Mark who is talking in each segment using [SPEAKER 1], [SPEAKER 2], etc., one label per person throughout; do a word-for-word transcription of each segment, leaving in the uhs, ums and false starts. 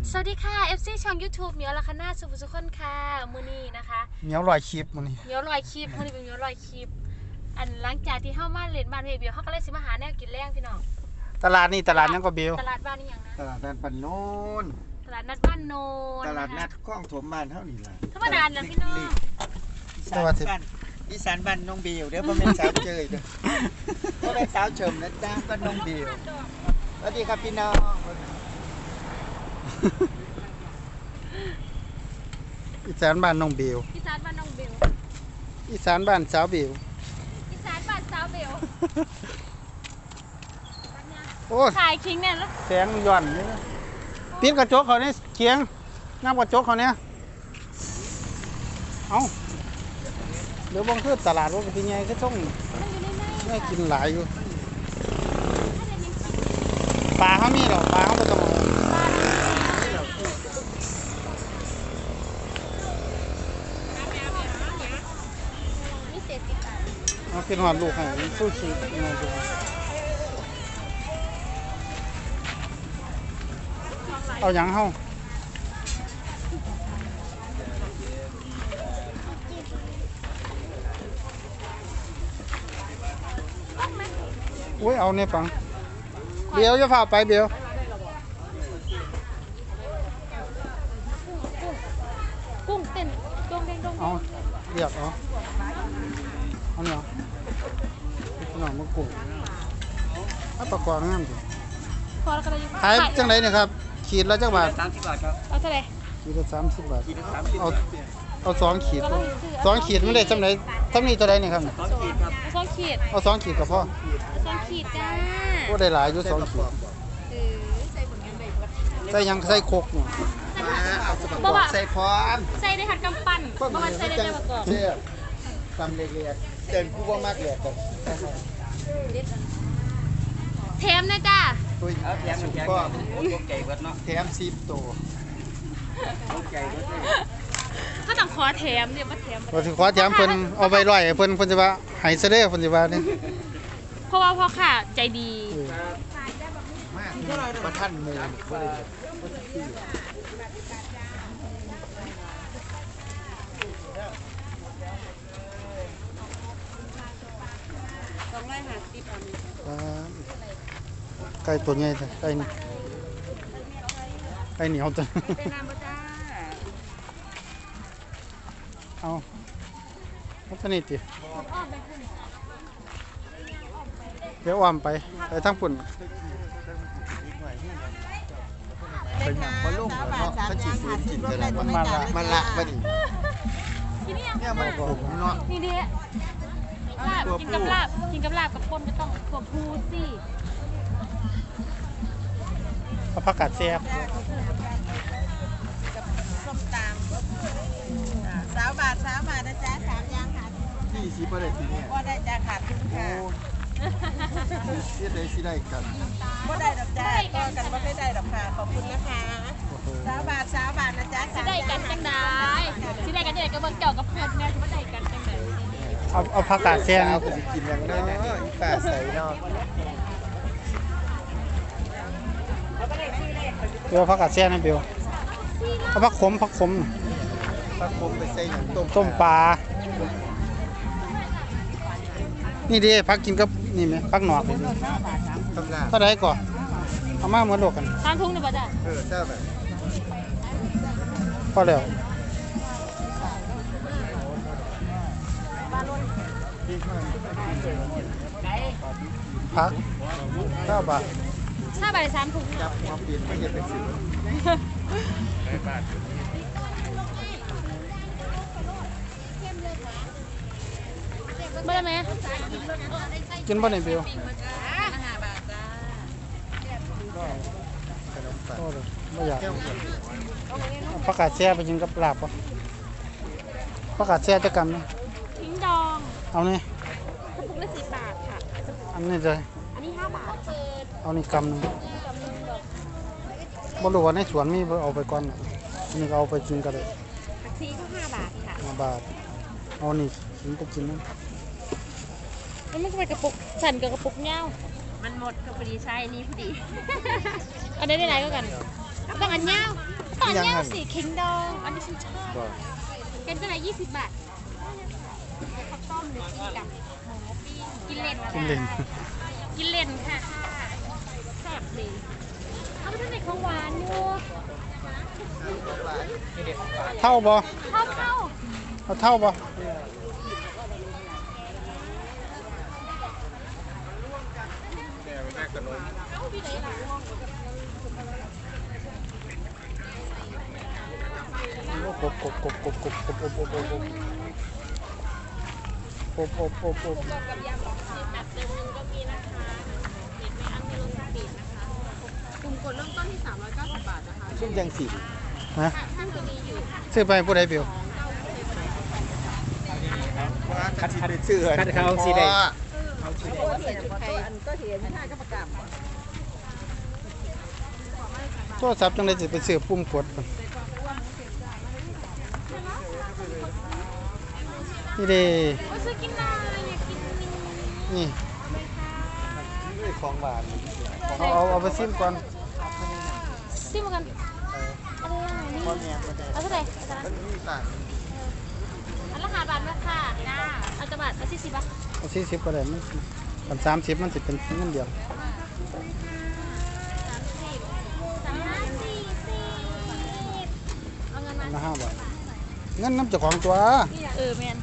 [SPEAKER 1] สวัสดีค่ะ เอฟ ซี ช่อง ยูทูบ เหมียวละคณาสุภสุคนค่ะมือนี้นะคะ
[SPEAKER 2] เหมียวลอยคลิปมื้อนี้
[SPEAKER 1] เหมียวลอยคลิปมือนี้เป็นเหมียวลอยคลิปอันหลังจากที่เข้ามาเล่นบ้านเฮียเบียวเขาก็เลยสิมาหาแนวกินแรงพี่น้อง
[SPEAKER 2] ตลาดนี่ตลาดยังก็เบล
[SPEAKER 1] ตลาดบ้านนี่ยังนะ
[SPEAKER 3] ตลาดนัดบ้านโน้น
[SPEAKER 1] ตลาดนัดบ้านโนน
[SPEAKER 3] ตลาดนัดคลองถมบ้านเท่านี้ล่ะ
[SPEAKER 1] ธรรมดาเนี่ยพี่น้อง
[SPEAKER 3] อีสานบ้านอีสานบ้านน้องเบลเด้อบ่แม่นสาวเจยเด้อบ่แม่นสาวเฉิมนะจ้าบ้านน้องเบลสวัสดีครับพี่น้อง
[SPEAKER 2] อีสานบ้านน้องเบล
[SPEAKER 1] อีสานบ้านน้องเบล
[SPEAKER 2] อีสานบ้านสาวเบล
[SPEAKER 1] อีสานบ้านสาวเบล
[SPEAKER 2] โอ้
[SPEAKER 1] ถ่ายคิงเนี่ยแล้ว
[SPEAKER 2] แสงย่อนนี่ปิดกระจกเขาเนี่ยเคียงน้ำกระจกเขาเนี่ยเอาเดี๋ยวบางคือตลาดว่าเป็นไงก็ต้องได้กินหลายอยู่ปลาเขามีหรอปลาเขาไม่ต้องเอาเป็นหอดลูกให้สู้ชีวิตมาดูเอาอย่างเฮาอุ้ยเอาเนี่ยปังเบียวจะพาไปเบียว
[SPEAKER 1] กุ้งเต้นดงเด้งดง
[SPEAKER 2] เอาเรียกเอาเอาเนี่ยพี่น้องมากุ้งเอาปลากวางงามดิ
[SPEAKER 1] พอแล้วก็เลย
[SPEAKER 2] ขายจังไรเนี่ยครับขีดละจังบาท
[SPEAKER 3] สามสิบบาทครับ
[SPEAKER 1] เอาเท่าไหร่
[SPEAKER 2] ขีดละสามสิบบาท
[SPEAKER 3] ขีดละสามสิบ
[SPEAKER 2] เอาเอาสองขีดสองขีดไม่ได้จำไรทำนี่ตัวใดเนี่ยครับ
[SPEAKER 3] สองขีดครับ
[SPEAKER 1] สองขีด
[SPEAKER 2] เอาสองขีดกับพ่อ
[SPEAKER 1] สองขีดจ้า
[SPEAKER 2] ก็ได้หลายอยู่สองขีดใส่ยังใส่โคกเนี่ย
[SPEAKER 3] เอาสปอร์ตใส่พร้อม
[SPEAKER 1] ใส่ได้หัดกำปั้นเพราะมันใส่ได้ประกอบ
[SPEAKER 3] เชื่อตำเล็กๆเดินกูว่ามากเลยกัน
[SPEAKER 1] แถมนะจ้า
[SPEAKER 3] ตุ้ยเอาแถมแถมก็ตกใจเบิดเนาะแถมสิบตัวตกใจเบิด
[SPEAKER 1] ก็ต้องขอแถมเดี๋ยวมาแถม
[SPEAKER 2] พอถึงขอแถมเพิ่นเอาไปร้อยเพิ่นเพิ่นจะว่าให้ซะเด้อเพิ่นสิว่านี่
[SPEAKER 1] เพราะว่าพ่อค่ะใจดี
[SPEAKER 3] มากมาท่านหมู่บ่ได้
[SPEAKER 2] ไก่ตัวใหญ่จ้ะไก่นี่ไก่เหนียวจ้ะเอาเอาตัวนี้ติเดี๋ยวอ้อมไปไปทางปุ่น
[SPEAKER 3] ไปหนังมาลุ่มเนาะมันจีฝืนกินกันแล้วมันละมันละมาดิเนี่ยมันผมเนาะ
[SPEAKER 1] นี่ดิลาบกินกับลาบกินกับลาบกับปนก็ต้องตัวพูสิ
[SPEAKER 2] เอาผักกาดแซ่บ
[SPEAKER 4] ส้มตำสาวบาทสาวบาทนะจ๊ะสามยางขาด
[SPEAKER 3] ที่ซีประเด็นทีเนี่ย
[SPEAKER 4] ว่าได้จะขาดทุนค่ะ
[SPEAKER 3] เสียได้สิได้กัน
[SPEAKER 4] ว่าได้ดอกจ้าก็กันว่าไม่ได้ดอกค่ะขอบคุณนะคะสาวบาทสาวบาทนะจ๊ะ
[SPEAKER 1] สิได้กันจังได้สิได้กันจังได้ก็เบิ่งเจ้ากับเพื่อนแม่สิบ่ได้กันจังได๋
[SPEAKER 2] เอาเอาผักกาดแซ่บ
[SPEAKER 3] เอาไปกินอย่างนั้นอีป้าใส่เนาะ
[SPEAKER 2] เดี๋ยวผักกาดแซ่บนะเบลเอาผักขมผักขม
[SPEAKER 3] ผักขมไปใส่หนังต้ม
[SPEAKER 2] ต้มปลานี่ดิผักกินกับนี่ไหมผักหนอกเท่าไรก่อนเอามาเหมือนโลกกัน
[SPEAKER 1] ทางทุ่งนี่บ่จ้ะ
[SPEAKER 3] เออใช่แบบ
[SPEAKER 2] พอแล้วพักเก้าบาท
[SPEAKER 1] ห้าบาทสามถุง
[SPEAKER 3] จับมาเปลี่ยนไม่เห็นเป็นสิบ
[SPEAKER 1] เมื่อไหร่
[SPEAKER 2] กินบ่ในเบลไม่อยากผักกาดแช่ไปกินกับลาบปะผักกาดแช่จะกำนะ
[SPEAKER 1] ทิ้งดอง
[SPEAKER 2] เอาเนี่ย
[SPEAKER 1] กระปุกละสิบบาทค่ะ
[SPEAKER 2] อันนี้เลย
[SPEAKER 1] อันนี้ห้าบาท
[SPEAKER 2] เอานี่กำนึงบ่รู้ว่าในสวนมีเอาไปก่อนอันนี้ก็เอาไปกินกันเลย
[SPEAKER 1] ผักชีก็ห้าบาทค่ะ
[SPEAKER 2] ห้าบาทเอานี่กินก็กินนะ
[SPEAKER 1] มันไม่ใช่กระปุกสั่นกับกระปุกเงา
[SPEAKER 4] มันหมดก็พอดีใช่นี่พอดี
[SPEAKER 1] เอาได้ได้ไหนก็กันต้องอันยาวต้องอันยาวสิเค็งดองอันนี้ฉันชอบ
[SPEAKER 2] บ่
[SPEAKER 1] เป็นตัวไหนยี่สิบบาทข้าวต้มหรือกินกับหมูปิ้งกินเล่น
[SPEAKER 2] กินเล่น
[SPEAKER 1] กินเล่นค่ะแซ่บดีเอาไปทำในของหวานอยู่
[SPEAKER 2] เท่าบ่
[SPEAKER 1] เข้าเข้า
[SPEAKER 2] เอาเท่าบ่กบกบกบกบกบกบกบกบกบกบกบกบกบ
[SPEAKER 1] กับยำแบบเดิมนึงก็มีนะคะเห็นไหมอันนี้รสปีดนะคะกลุ่มกดเริ่มต้นที่สามร้อยเก้าสิบบาทนะคะ
[SPEAKER 3] ซึ่งยังสิ
[SPEAKER 2] นะ
[SPEAKER 1] ท่านตัวนี้อยู่
[SPEAKER 2] ซื้อไปผู้ใดเปล่า
[SPEAKER 3] ว่าคัดไปเสื้อ
[SPEAKER 5] คัดเขาสีแดง
[SPEAKER 2] โทรศัพท์จังได๋สิไปซื้อปุ่มกดพุ่นนี่เด้
[SPEAKER 1] โอ้ยซื้อกินหน่อยอยากกินนี่
[SPEAKER 2] นี่
[SPEAKER 3] ของหวาน
[SPEAKER 2] เอาเอาเอาไปซิมก่อน
[SPEAKER 1] ซิมกันอะไรอ่ะนี่
[SPEAKER 3] พ่อแม่ก็ได้
[SPEAKER 1] เอาเท่าไหร่
[SPEAKER 3] มันมีต่าง
[SPEAKER 1] อันละห้าบาทไหมค่ะจ้าเอาจะบาทเอาสี่สิบบาท
[SPEAKER 2] เอาสี่สิบก็ได้มันกันสามสิบมันสิเป็นเงินเดียว
[SPEAKER 1] สามสิบสามห้าสี่สิบเอาเงินมา
[SPEAKER 2] ละห้าบาทเงินน้ำเจ้าของตัว
[SPEAKER 1] เออแมน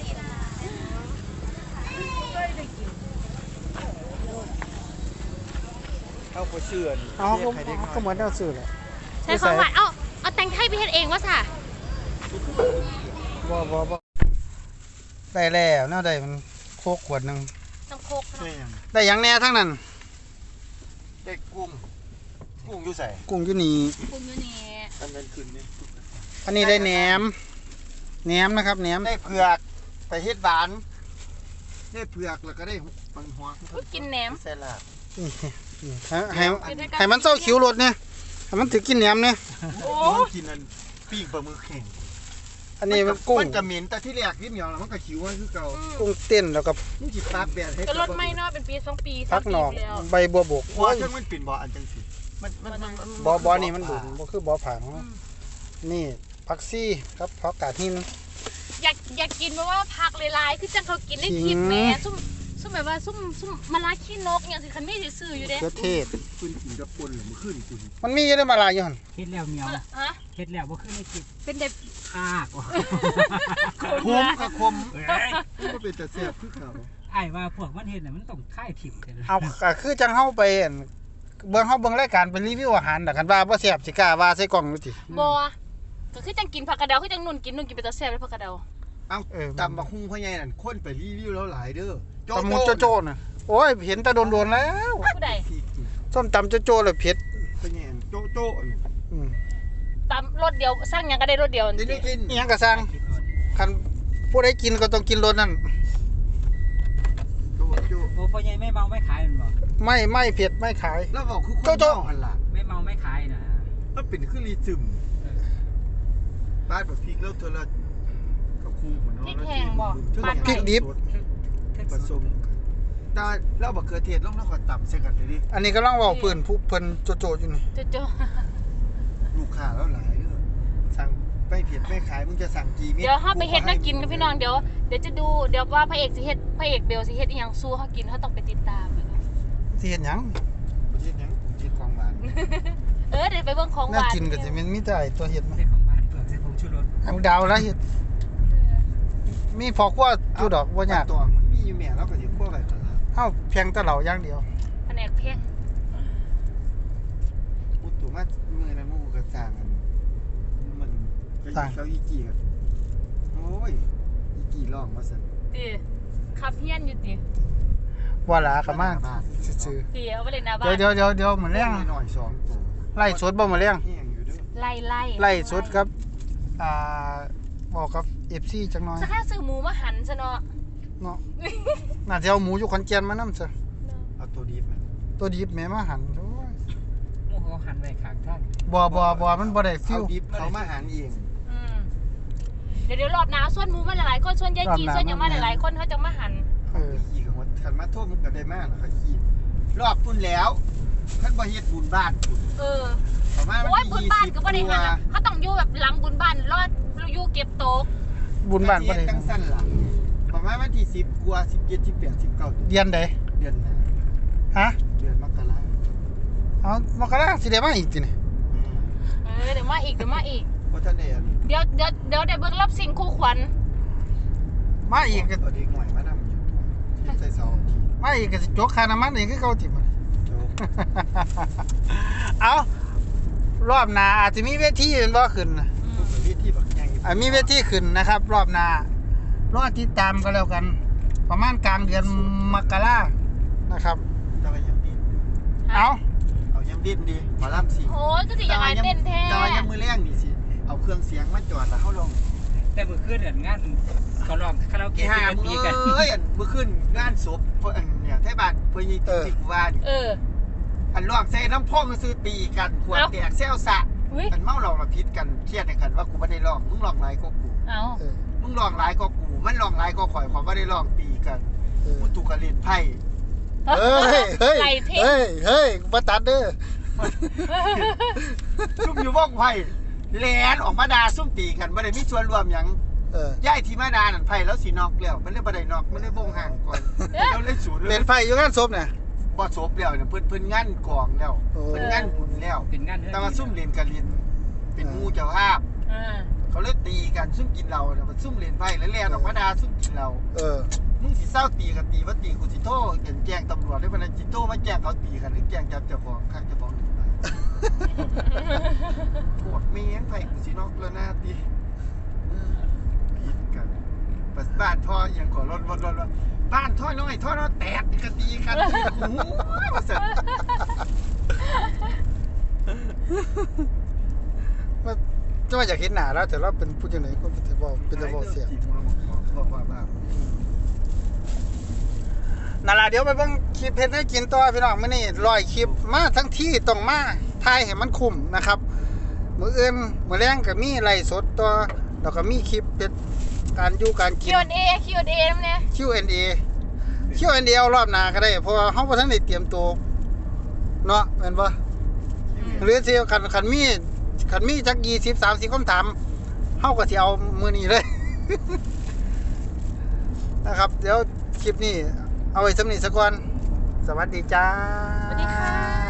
[SPEAKER 3] เข้าไปเชื่อน
[SPEAKER 2] เอาก็ก็เหมือนเอาซื้อแหละ
[SPEAKER 1] ใช้ของหวานเอาเอาแตงไทยไปเฮ็ดเองวะสะ
[SPEAKER 2] บ่บ่บ่ได้แล้วแนวใดมันโคกขวดหนึง
[SPEAKER 1] น้ำโคก
[SPEAKER 3] ใช่ยัง
[SPEAKER 2] ได้หยังแน่ทั้งนั้น
[SPEAKER 3] ได้กุ้งกุ้งอยู่ใส่
[SPEAKER 2] กุ้งอยู่นี่
[SPEAKER 1] ปรุงอยู่นี่
[SPEAKER 3] อันนั้นคืนนี้
[SPEAKER 2] อันนี้ได้แหนมแหนมนะครับแหนม
[SPEAKER 3] ได้เผือกไปเฮ็ดหวานได้เผือกแล้วก็ได้ปังหัว
[SPEAKER 1] อุ๊ยกินแหนม
[SPEAKER 3] ใส่ลาบ
[SPEAKER 2] นี่นี่ให้ให้ให้มันเศร้าคิ้วรถเนี่ยให้มันถือกินแหนมเนี่ย
[SPEAKER 1] โอ้
[SPEAKER 3] มันกินอันปิ้งปลาหมึกแข็ง
[SPEAKER 2] อันนี้มันกุ้ง
[SPEAKER 3] มันจะเหม็นแต่ที่แรกนิดเดียวแล้วมันก็ขิวไว้คือเก่า
[SPEAKER 2] กุ้งเต้นแล้วก็
[SPEAKER 3] มึงสิปากแบนให้
[SPEAKER 1] ก็รถไม่เนาะเป็นปีสองปี
[SPEAKER 2] พักหนอก
[SPEAKER 1] แล้ว
[SPEAKER 2] ใบบัวบก
[SPEAKER 3] เพราะว่าจังมันปิ่นบ่ออันจังสิมันมันมันมัน
[SPEAKER 2] บ่บ่นี่มันดุนบ่คือบ่ผางนี่ผักซี่ครับผักกาดหิน
[SPEAKER 1] อยากอยากกินเพราะว่าผักหลายๆคือจังเขากินได้คลิปแหม่ซุ่มซุ่มแบบว่าซุ่มซุ่มมะระขี้นกอย่างสิคันไม่ได้ซื้ออยู่เด้
[SPEAKER 2] เขือเทศ
[SPEAKER 3] ขึ้นกินกับปนหรือมันขึ้นกิน
[SPEAKER 2] มันมีอยู่ได้มาหลายอยู่หั่น
[SPEAKER 5] เฮ็ดแล้วเหนียว
[SPEAKER 1] ฮะ
[SPEAKER 5] เฮ็ดแล้วบ่ขึ้นในคลิป
[SPEAKER 1] เป็นเด็บ
[SPEAKER 5] คากว่ะ
[SPEAKER 3] คมกับคมมันก็เป็นแต่แซ่บคือเก่า
[SPEAKER 5] ไอ้ว่าพวกมันเฮ็ดน่ะมันต้องค่ายถิ่มกัน
[SPEAKER 2] เอาก็คือจังเฮาไปอั่นเบิ่งเฮาเบิ่งรายการไปรีวิวอาหารน่ะคันว่าบ่แซ่บสิกล้าว่าใส่กล่องอยู่ติ
[SPEAKER 1] บัวก็คือจังกินผักกระเดาคือจังนุ่นกินนุ่นกินไปตะแซ่บเลยผักกระเดา
[SPEAKER 3] เอ้าตำบักหุ่งพ่อใหญ่นั่นคนไปรีวิวแล้วหลายเด้อ
[SPEAKER 2] ตำมุโจโจ้น่ะโอ้ยเห็นแต่โดนๆแล้ว
[SPEAKER 1] ผู้ใด
[SPEAKER 2] ส้มตำโจโจ้แล้วเผ็ด
[SPEAKER 3] พ่อใหญ่โจ๊โจ๊
[SPEAKER 2] อืม
[SPEAKER 1] ตามรถเดียวสร้างหยังก็ได้รถเดียว
[SPEAKER 3] นี่ได้กิน
[SPEAKER 2] อีหยังก็สร้างคันผู้ใดกินก็ต้องกินรสนั่น
[SPEAKER 3] โจ๊โจ๊
[SPEAKER 5] โอ้พ่อใหญ่ไม่เมาไม่ขายมันบ่
[SPEAKER 2] ไม่ไม่เผ็ดไม่ขาย
[SPEAKER 3] แล้วบอกคือคนเมาหันล่ะ
[SPEAKER 5] ไม่เมาไม่ขายนะ
[SPEAKER 3] มันเป็นคือรีซึมบ้านแบบพริกแล้วเธอละก็คู่เหมือนน้อง
[SPEAKER 1] พริกแห้งบ่
[SPEAKER 2] พริกดิบ
[SPEAKER 3] ผสมตาแล้วบักเขือเทศลงแล้วก็ตำใส่กันเลยดิ
[SPEAKER 2] อันนี้กำลังเว้าเพิ่นผู้เพิ่นโจโจ้อยู่นี่
[SPEAKER 1] โจโจ
[SPEAKER 3] ลูกค้าแล้วหลายเด้อสั่งไม่เผ็ดไม่ขายมึงจะสั่งกี่เม็ด
[SPEAKER 1] เดี๋ยวเฮาไปเฮ็ดน่ากินกับพี่น้องเดี๋ยวเดี๋ยวจะดูเดี๋ยวว่าพระเอกสิเฮ็ดพระเอกเบลสิเฮ็ดอีหยังสู้เฮากินเฮาต้องไปติดตาม
[SPEAKER 2] สิเฮ็ดหยัง
[SPEAKER 3] ประเทศยังประเทศของหวาน
[SPEAKER 1] เออเดี๋ยวไปเบิ่งของห
[SPEAKER 2] น่าว
[SPEAKER 1] าน
[SPEAKER 2] กินก็สิมันมีแต่ไอ้ตัวเฮ็ดมา
[SPEAKER 5] ใส่ของหวานเปลือกใส่ผงชูรส
[SPEAKER 2] เอาดาวแล้วเฮ็ดมีพอครัวอยู่ดอกบ่ยาก
[SPEAKER 3] ตัวมันมีอยู่แม่แล้วก็อยู่คั่วไว้ตลาด
[SPEAKER 2] เฮาเพียงแต่เหล่าอย่างเดียว
[SPEAKER 1] แผนกเพลง
[SPEAKER 3] อุตุมามือนั้นมูกระจางกันมันก็อยู่เขาอีกี่กันโอ้ยอีกี่ร้องมาสั่น
[SPEAKER 1] ติขับเฮียนอยู่ติ
[SPEAKER 2] ว่าหลาก็มาซื่อ
[SPEAKER 1] ติเอาไปเลยหน้า
[SPEAKER 2] ๆ
[SPEAKER 1] บ้าน
[SPEAKER 2] เดี๋ยวเดี๋ยวเดี๋ยวมื้อแรง
[SPEAKER 3] หน่อยสองตัว
[SPEAKER 2] ไล่สดบ่มื้อแรง
[SPEAKER 3] แห้งอยู่เด้อ
[SPEAKER 1] ไล่ไล่
[SPEAKER 2] ไล่สดครับอ่าบอกกับ เอฟ ซี จังหน่อย
[SPEAKER 1] สักแค่ซื้อหมูมาหั่นซะเนาะ
[SPEAKER 2] เนาะน่าจะเอาหมูอยู่ขอนแก่นมานำซะ
[SPEAKER 3] เอาตัวดีไหม
[SPEAKER 2] ตัวดิบแม่มาหั่นโอ้ย
[SPEAKER 5] หมู่เขาหันไว้ข้างทาง
[SPEAKER 2] บ่บ่บ่มันบ่ได้ฟิ
[SPEAKER 3] เอา
[SPEAKER 2] ว
[SPEAKER 3] ดิบเขามาหารเอง
[SPEAKER 1] อืมเดี๋ยวเดี๋ยวรอบหน้าส่วนหมูมาหลายๆคนส่วนยายจีส่วนหยังมาหลายๆคนเขาจะมาหั่น
[SPEAKER 2] เออ
[SPEAKER 3] ขี่กับมันขันมาโทษมันก็ได้มากแล้วก็ขี่รอบปุ่นแล้วท่านบ่เฮ็ดบุญบ้านปุ่น
[SPEAKER 1] เออ
[SPEAKER 3] ประมาณ
[SPEAKER 1] โอ้
[SPEAKER 3] วั
[SPEAKER 1] ย
[SPEAKER 3] น
[SPEAKER 1] บุญ
[SPEAKER 3] ที่
[SPEAKER 1] บ้าน
[SPEAKER 3] ยี่สิบ
[SPEAKER 1] ก็บ่ได้
[SPEAKER 3] ก
[SPEAKER 1] หัน
[SPEAKER 3] ว่า
[SPEAKER 1] น่ะเขาต้องอยู่แบบหลังบุญบ้านรอดอยู่เก็บโต๊ะ
[SPEAKER 2] บุญบ้านบ่ได้
[SPEAKER 3] จังสั้นล่ะประมาณวันที่สิบกว่าสิบเจ็ดสิบแปดสิบเก้า
[SPEAKER 2] เดือนใด
[SPEAKER 3] เดือนหน้า
[SPEAKER 2] ฮะ
[SPEAKER 3] เดือนมกรา
[SPEAKER 2] เอามกราสิได้มาอีกตินี่
[SPEAKER 3] อืม
[SPEAKER 1] เออเดี๋ยวมาอีกเดี๋ยวมาอีก
[SPEAKER 3] เพราะท่านเอ็น
[SPEAKER 1] เดี๋ยวเดี๋ยวเดี๋ยวได้เบิ่งรอบสิ่งคู่ขวัญ
[SPEAKER 2] มาอีกก็
[SPEAKER 3] เอาเด็กหน่อยมานำอยู่ที่ใส่เสาที่
[SPEAKER 2] มาอีกก็สิจกค่าน้ำมันอีกคือเก่าติมัน
[SPEAKER 3] โจ๊ก
[SPEAKER 2] เอารอบหน้าอาจจะมีเวทีเป็นบ่ขึ้นนะ
[SPEAKER 3] ทุกประเทศที่แบบใหญ่
[SPEAKER 2] อ่ามีเวทีขึ้นนะครับ รอบหน้ารอติดตามกันแล้วกัน ประมาณกลางเดือนมกรานะครับ
[SPEAKER 3] แต่ว่ายังดิ้น
[SPEAKER 2] เอา
[SPEAKER 3] เอายังดิ้นดีหมาล่ำสิ
[SPEAKER 1] โอ้ยก็สิอยากให้เต้นแท้
[SPEAKER 3] แต่ว่ายังมือแรงนี่สิเอาเครื่องเสียงมาจอดแล้วเฮาลง
[SPEAKER 5] แต่เมื่อคืนเนี่ยงานเขาลองคาราโอ
[SPEAKER 3] กี่
[SPEAKER 5] เกะ
[SPEAKER 3] หา
[SPEAKER 5] ที่
[SPEAKER 3] มื
[SPEAKER 5] เป็น
[SPEAKER 3] อ
[SPEAKER 5] ปีกัน
[SPEAKER 3] เอ้ยอันมื้อคืนงานศพเพิ่นอันเนี่ยไทบ้านเพิ่นยิงที่กูว่านี่
[SPEAKER 1] เออ
[SPEAKER 3] อันลอกใส่น้ำพ่องก็ซื้อตีกันขวด
[SPEAKER 1] เอ้า
[SPEAKER 3] แตกแซวสะ
[SPEAKER 1] อุ้ย
[SPEAKER 3] อันเมาเราละพิษกันเครียดในกันว่ากูไม่ได้ลอกมึงลอกหลายก็กู
[SPEAKER 1] เอา
[SPEAKER 2] เออ
[SPEAKER 3] มึงลอกหลายก็กูมันลอกหลายก็ข่อยขอยไม่ได้ลอกตีกัน
[SPEAKER 2] เออ
[SPEAKER 3] กูถูกกันเล่นไพ่
[SPEAKER 2] เฮ้ยเฮ้ย
[SPEAKER 1] ไหลเพชร
[SPEAKER 2] เฮ้ยเฮ้ยบ่ตัดเด้อ
[SPEAKER 3] ซุ่มอยู่ว่องไพ่แลนออกมาด่าซุ่มตีกันไม่ได้มีส่วนรวมหยัง
[SPEAKER 2] เออ
[SPEAKER 3] ย้ายที่มาด่านั่นไพ่แล้วสีนอกแล้วมันเลยบ่ได้นอกมันเลยบ่งห่างก่อนแล้วเลยสูญ
[SPEAKER 2] เล่นไฟอยู่งานศพน่ะ
[SPEAKER 3] บ่ศพแล้วเนี่ยเพิ่นเพิ่นงานกองแล้ว
[SPEAKER 2] โอ้
[SPEAKER 3] เพิ่นงานบุญแล้ว
[SPEAKER 5] เป็นงานเรื่อง
[SPEAKER 3] แต่ว่าซุ่มเล่นกันเล่นเป็นหมู่เจ้าภาพ
[SPEAKER 1] อ่า
[SPEAKER 3] เขาเลยตีกันซุ่มกินเหล้าเนี่ยมันซุ่มเล่นไพ่แล้วแล่นออกมาด่าซุ่มกินเหล้า
[SPEAKER 2] เออ
[SPEAKER 3] มึงสิเศร้าตีกันตีว่าตีกูสิโทษเห็นแจ้งตำรวจได้ปะนะจิโทษมาแจ้งเขาตีกันหรือแจ้งจับเจ้าของข้างเจ้าของหนึ่งไปโคตรเมียนไผ่กูสินอกแล้วหน้าตีผิดกันปัสบ้านท่ออย่างขอรถรถรถรถบ้านท่อน้อยท่อน้อยแตกกันตีกันโอ้โหมาเสร็จ
[SPEAKER 2] ว่าจะมาอยากเห็นหน้าแล้วแต่เราเป็นผู้จังไหนก็เป็นแต่เว้าเป็นแต่เว้าเสียง
[SPEAKER 3] บอกว่าบ้า
[SPEAKER 2] นั่นล่ะเดี๋ยวไปเบิ่งคลิปเฮ็ดให้กินต่อพี่น้องมื้อนี้ร้อยคลิปมาทั้งที่ต้องมาถ่ายให้มันคุ้มนะครับ มื้ออื่นมื้อแลงก็มีไลฟ์สดต่อแล้วก็มีคลิปเป็นการอยู่การกิน
[SPEAKER 1] คิว แอนด์ เอ คิว แอนด์ เอ นำเนี่ย
[SPEAKER 2] คิว แอนด์ เอ คิว แอนด์ เอ เอารอบหน้าก็ได้เพราะว่าเฮาบ่ทันได้เตรียมตัวเนาะแม่นบ่หรือสิคันคันมีคันมีจักยี่สิบ สามสิบคำถามเฮาก็สิเอามื้อนี้เลย นะครับ เดี๋ยวคลิปนี้เอาไว้สำนี้ซะก่อนสวัสดีจ้า
[SPEAKER 1] สวัสดีค่ะ